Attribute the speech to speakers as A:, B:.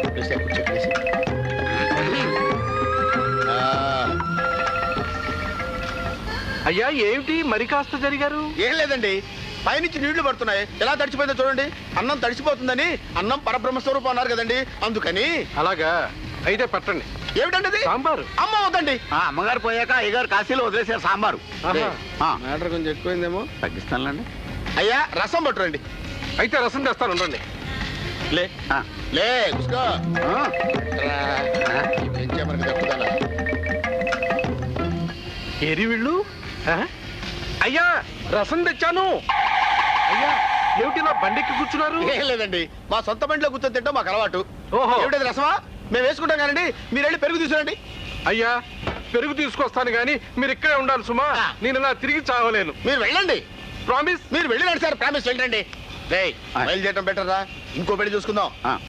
A: అయ్యా ఏమిటి మరి కాస్త జరిగారు?
B: ఏం లేదండి, పైనుంచి నీళ్లు పడుతున్నాయి, ఎలా తడిచిపోయిందో చూడండి. అన్నం తడిచిపోతుందని అన్నం పరబ్రహ్మస్వరూపం అన్నారు కదండి, అందుకని.
A: అలాగా, అయితే పట్టండి.
B: ఏమిటండి?
A: సాంబారు.
B: అమ్మ వద్దండి,
C: అమ్మగారు పోయాక అయ్యగారు కాశీలో వదిలేశారు సాంబారు.
B: మ్యాటర్ కొంచెం ఎక్కువైందేమో,
C: తగ్గిస్తానులేండి.
B: అయ్యా రసం పట్టురండి.
A: అయితే రసం తెస్తాను, ఉండండి.
B: లే లే కూసుకో. ఏం చేయమని తప్పుదా
A: ఏరి వీళ్ళు? అయ్యా రసం తెచ్చాను. అయ్యా ఏమిటి నా బండికి కూర్చున్నారు?
B: ఏం లేదండి, మా సొంత బండిలో కూర్చొని తింటాం మాకు అలవాటు.
A: ఓహో,
B: ఏమిటది రసమా? మేము వేసుకుంటాం కానండి, మీరు వెళ్ళి పెరుగు తీసుకురండి.
A: అయ్యా పెరుగు తీసుకొస్తాను గాని మీరు ఇక్కడే ఉండాలి సుమా. నేను ఇలా తిరిగి చావలేను.
B: మీరు వెళ్ళండి.
A: ప్రామిస్?
B: మీరు వెళ్ళిరండి సార్, ప్రామిస్ వెళ్ళండి. బయలుదేరటం బెటర్ రా, ఇంకో పెళ్లి చూసుకుందాం.